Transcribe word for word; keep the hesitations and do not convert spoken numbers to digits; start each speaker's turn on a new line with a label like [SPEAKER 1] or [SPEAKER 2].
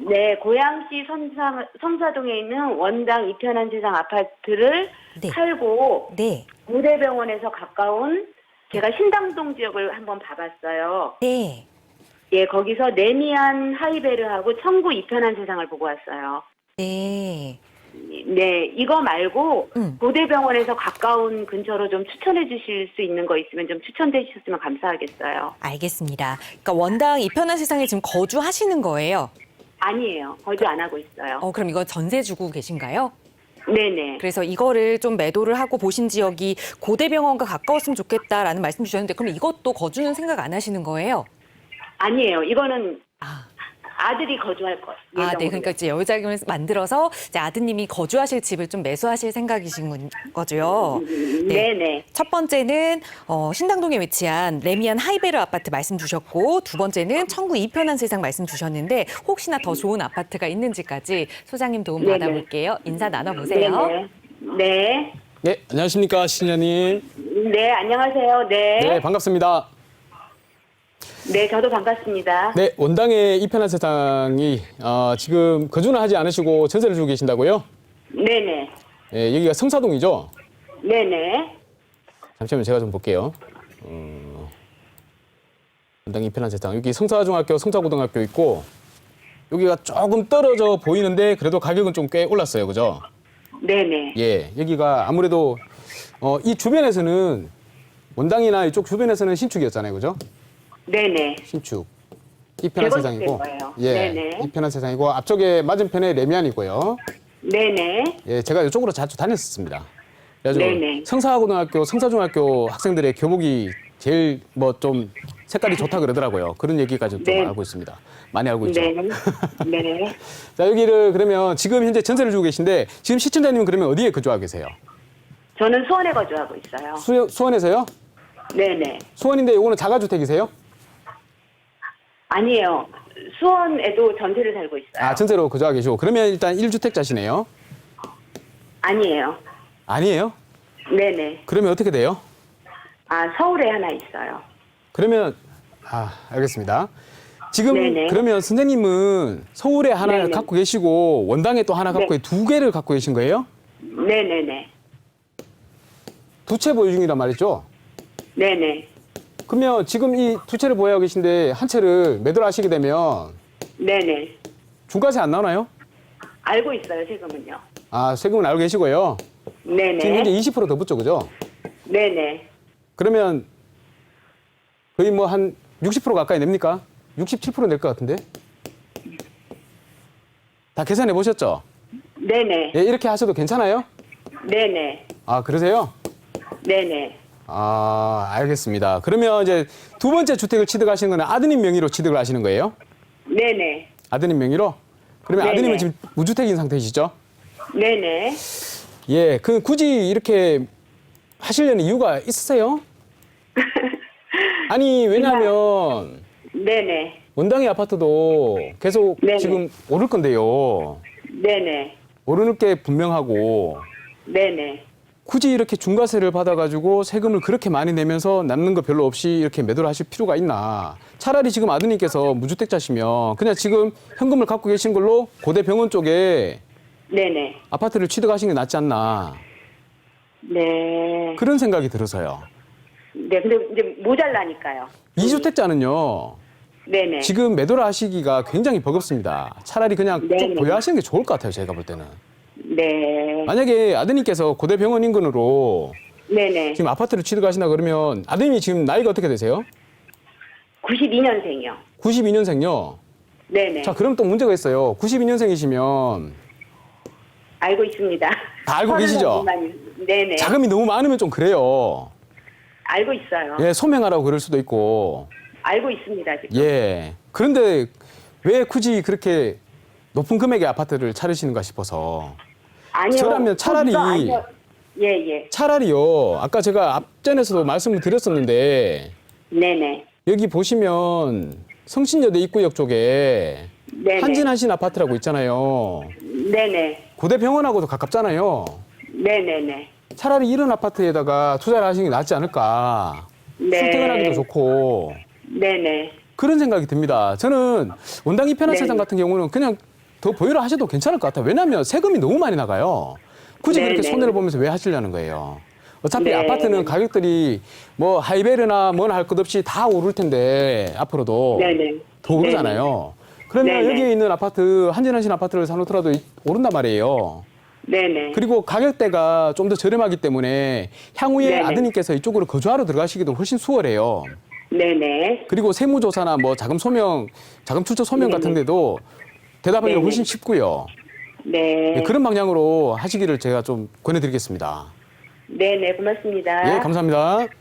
[SPEAKER 1] 네, 고양시 성사, 성사동에 있는 원당 이편한 세상 아파트를
[SPEAKER 2] 네.
[SPEAKER 1] 살고
[SPEAKER 2] 네.
[SPEAKER 1] 고대병원에서 가까운 제가 신당동 지역을 한번 봐봤어요.
[SPEAKER 2] 네.
[SPEAKER 1] 예, 거기서 레미안 하이베르하고 청구 이편한 세상을 보고 왔어요.
[SPEAKER 2] 네.
[SPEAKER 1] 네, 이거 말고
[SPEAKER 2] 음.
[SPEAKER 1] 고대병원에서 가까운 근처로 좀 추천해 주실 수 있는 거 있으면 좀 추천해 주셨으면 감사하겠어요.
[SPEAKER 2] 알겠습니다. 그러니까 원당 이편한 세상에 지금 거주하시는 거예요?
[SPEAKER 1] 아니에요. 거주 안 하고 있어요.
[SPEAKER 2] 어, 그럼 이거 전세 주고 계신가요?
[SPEAKER 1] 네네.
[SPEAKER 2] 그래서 이거를 좀 매도를 하고 보신 지역이 고대병원과 가까웠으면 좋겠다라는 말씀 주셨는데 그럼 이것도 거주는 생각 안 하시는 거예요?
[SPEAKER 1] 아니에요. 이거는
[SPEAKER 2] 아,
[SPEAKER 1] 아들이 거주할 거.
[SPEAKER 2] 아, 네. 그러니까 이제 여유자금을 만들어서 이제 아드님이 거주하실 집을 좀 매수하실 생각이신 건- 거죠.
[SPEAKER 1] 네. 네네.
[SPEAKER 2] 첫 번째는 어, 신당동에 위치한 레미안 하이베르 아파트 말씀 주셨고 두 번째는 청구 이편한 세상 말씀 주셨는데 혹시나 더 좋은 아파트가 있는지까지 소장님 도움
[SPEAKER 1] 네네.
[SPEAKER 2] 받아볼게요. 인사 나눠보세요.
[SPEAKER 1] 네네. 네.
[SPEAKER 3] 네, 안녕하십니까, 신현님.
[SPEAKER 1] 네, 안녕하세요. 네.
[SPEAKER 3] 네, 반갑습니다.
[SPEAKER 1] 네, 저도 반갑습니다.
[SPEAKER 3] 네, 원당의 이편한 세상이 어, 지금 거주는 하지 않으시고 전세를 주고 계신다고요?
[SPEAKER 1] 네네.
[SPEAKER 3] 예, 여기가 성사동이죠?
[SPEAKER 1] 네네.
[SPEAKER 3] 잠시만요, 제가 좀 볼게요. 어, 원당 이편한 세상. 여기 성사중학교, 성사고등학교 있고 여기가 조금 떨어져 보이는데 그래도 가격은 좀 꽤 올랐어요, 그죠?
[SPEAKER 1] 네네.
[SPEAKER 3] 예, 여기가 아무래도 어, 이 주변에서는 원당이나 이쪽 주변에서는 신축이었잖아요, 그죠?
[SPEAKER 1] 네네.
[SPEAKER 3] 신축. 이편한
[SPEAKER 1] 재건축
[SPEAKER 3] 세상이고,
[SPEAKER 1] 된 거예요.
[SPEAKER 3] 예,
[SPEAKER 1] 네네.
[SPEAKER 3] 이편한 세상이고 앞쪽에 맞은편에 레미안이고요.
[SPEAKER 1] 네네.
[SPEAKER 3] 예, 제가 이쪽으로 자주 다녔었습니다. 그래가지고
[SPEAKER 1] 네네.
[SPEAKER 3] 성사고등학교, 성사중학교 학생들의 교복이 제일 뭐 좀 색깔이 좋다 그러더라고요. 그런 얘기까지 좀
[SPEAKER 1] 네.
[SPEAKER 3] 알고 있습니다. 많이 알고 있죠.
[SPEAKER 1] 네. 네.
[SPEAKER 3] 자, 여기를 그러면 지금 현재 전세를 주고 계신데 지금 시청자님은 그러면 어디에 거주하고 계세요?
[SPEAKER 1] 저는 수원에 거주하고 있어요.
[SPEAKER 3] 수, 수원에서요?
[SPEAKER 1] 네네.
[SPEAKER 3] 수원인데 요거는 자가주택이세요?
[SPEAKER 1] 아니에요. 수원에도 전세를 살고 있어요.
[SPEAKER 3] 아, 전세로 거주하고 계시고 그러면 일단 일 주택자시네요.
[SPEAKER 1] 아니에요.
[SPEAKER 3] 아니에요?
[SPEAKER 1] 네네.
[SPEAKER 3] 그러면 어떻게 돼요?
[SPEAKER 1] 아, 서울에 하나 있어요.
[SPEAKER 3] 그러면 아 알겠습니다. 지금
[SPEAKER 1] 네네.
[SPEAKER 3] 그러면 선생님은 서울에 하나
[SPEAKER 1] 네네.
[SPEAKER 3] 갖고 계시고 원당에 또 하나 갖고
[SPEAKER 1] 네.
[SPEAKER 3] 두 개를 갖고 계신 거예요?
[SPEAKER 1] 네네네.
[SPEAKER 3] 두 채 보유 중이란 말이죠.
[SPEAKER 1] 네네.
[SPEAKER 3] 그러면 지금 이 두 채를 보유하고 계신데 한 채를 매도를 하시게 되면
[SPEAKER 1] 네네.
[SPEAKER 3] 중과세 안 나오나요?
[SPEAKER 1] 알고 있어요, 세금은요.
[SPEAKER 3] 아 세금은 알고 계시고요.
[SPEAKER 1] 네네.
[SPEAKER 3] 지금 현재 이십 퍼센트 더 붙죠, 그죠?
[SPEAKER 1] 네네.
[SPEAKER 3] 그러면 거의 뭐 한 육십 퍼센트 가까이 냅니까? 육십칠 퍼센트 낼 것 같은데? 다 계산해 보셨죠?
[SPEAKER 1] 네네.
[SPEAKER 3] 예, 이렇게 하셔도 괜찮아요?
[SPEAKER 1] 네네.
[SPEAKER 3] 아, 그러세요?
[SPEAKER 1] 네네.
[SPEAKER 3] 아, 알겠습니다. 그러면 이제 두 번째 주택을 취득하시는 건 아드님 명의로 취득을 하시는 거예요?
[SPEAKER 1] 네네.
[SPEAKER 3] 아드님 명의로? 그러면
[SPEAKER 1] 네네.
[SPEAKER 3] 아드님은 지금 무주택인 상태이시죠?
[SPEAKER 1] 네네.
[SPEAKER 3] 예, 그 굳이 이렇게 하시려는 이유가 있으세요? 아니, 왜냐하면
[SPEAKER 1] 네네.
[SPEAKER 3] 원당의 아파트도 계속
[SPEAKER 1] 네네.
[SPEAKER 3] 지금 오를 건데요.
[SPEAKER 1] 네네.
[SPEAKER 3] 오르는 게 분명하고
[SPEAKER 1] 네네.
[SPEAKER 3] 굳이 이렇게 중과세를 받아가지고 세금을 그렇게 많이 내면서 남는 거 별로 없이 이렇게 매도를 하실 필요가 있나. 차라리 지금 아드님께서 무주택자시면 그냥 지금 현금을 갖고 계신 걸로 고대병원 쪽에
[SPEAKER 1] 네네.
[SPEAKER 3] 아파트를 취득하시는 게 낫지 않나.
[SPEAKER 1] 네.
[SPEAKER 3] 그런 생각이 들어서요.
[SPEAKER 1] 네, 근데 이제 모자라니까요.
[SPEAKER 3] 이주택자는요.
[SPEAKER 1] 네네.
[SPEAKER 3] 지금 매도를 하시기가 굉장히 버겁습니다. 차라리 그냥 쭉
[SPEAKER 1] 네네.
[SPEAKER 3] 보유하시는 게 좋을 것 같아요. 제가 볼 때는.
[SPEAKER 1] 네.
[SPEAKER 3] 만약에 아드님께서 고대병원 인근으로
[SPEAKER 1] 네네.
[SPEAKER 3] 지금 아파트를 취득하신다 그러면 아드님이 지금 나이가 어떻게 되세요?
[SPEAKER 1] 구십이 년생이요.
[SPEAKER 3] 구십이 년생요.
[SPEAKER 1] 네네.
[SPEAKER 3] 자, 그럼 또 문제가 있어요. 구십이 년생이시면
[SPEAKER 1] 알고 있습니다.
[SPEAKER 3] 다 알고 계시죠?
[SPEAKER 1] 네네.
[SPEAKER 3] 자금이 너무 많으면 좀 그래요.
[SPEAKER 1] 알고 있어요.
[SPEAKER 3] 예, 소명하라고 그럴 수도 있고.
[SPEAKER 1] 알고 있습니다, 지금.
[SPEAKER 3] 예. 그런데 왜 굳이 그렇게 높은 금액의 아파트를 차리시는가 싶어서.
[SPEAKER 1] 아니요.
[SPEAKER 3] 저라면 차라리-
[SPEAKER 1] 거기가 아니요. 예, 예.
[SPEAKER 3] 차라리요. 아까 제가 앞전에서도 말씀을 드렸었는데
[SPEAKER 1] 네네.
[SPEAKER 3] 여기 보시면 성신여대 입구역 쪽에
[SPEAKER 1] 네네.
[SPEAKER 3] 한진한신 아파트라고 있잖아요.
[SPEAKER 1] 네네.
[SPEAKER 3] 고대병원하고도 가깝잖아요.
[SPEAKER 1] 네네네.
[SPEAKER 3] 차라리 이런 아파트에다가 투자를 하시는 게 낫지 않을까.
[SPEAKER 1] 네.
[SPEAKER 3] 출퇴근하기도 좋고
[SPEAKER 1] 네네.
[SPEAKER 3] 그런 생각이 듭니다. 저는 원당 이편한
[SPEAKER 1] 네.
[SPEAKER 3] 세상 같은 경우는 그냥 더 보유를 하셔도 괜찮을 것 같아요. 왜냐하면 세금이 너무 많이 나가요. 굳이
[SPEAKER 1] 네네.
[SPEAKER 3] 그렇게 손해를 보면서 왜 하시려는 거예요? 어차피
[SPEAKER 1] 네.
[SPEAKER 3] 아파트는 가격들이 뭐 하이베르나 뭐나 할 것 없이 다 오를 텐데 앞으로도
[SPEAKER 1] 네네.
[SPEAKER 3] 더 오르잖아요. 그러면
[SPEAKER 1] 네네.
[SPEAKER 3] 여기에 있는 아파트 한진한신 아파트를 사놓더라도 오른단 말이에요.
[SPEAKER 1] 네네.
[SPEAKER 3] 그리고 가격대가 좀 더 저렴하기 때문에 향후에
[SPEAKER 1] 네네.
[SPEAKER 3] 아드님께서 이쪽으로 거주하러 들어가시기도 훨씬 수월해요.
[SPEAKER 1] 네네.
[SPEAKER 3] 그리고 세무조사나 뭐 자금 소명, 자금 출처 소명
[SPEAKER 1] 네네.
[SPEAKER 3] 같은 데도 대답하기가
[SPEAKER 1] 네네.
[SPEAKER 3] 훨씬 쉽고요.
[SPEAKER 1] 네.
[SPEAKER 3] 예, 그런 방향으로 하시기를 제가 좀 권해드리겠습니다.
[SPEAKER 1] 네네. 고맙습니다.
[SPEAKER 3] 예, 감사합니다.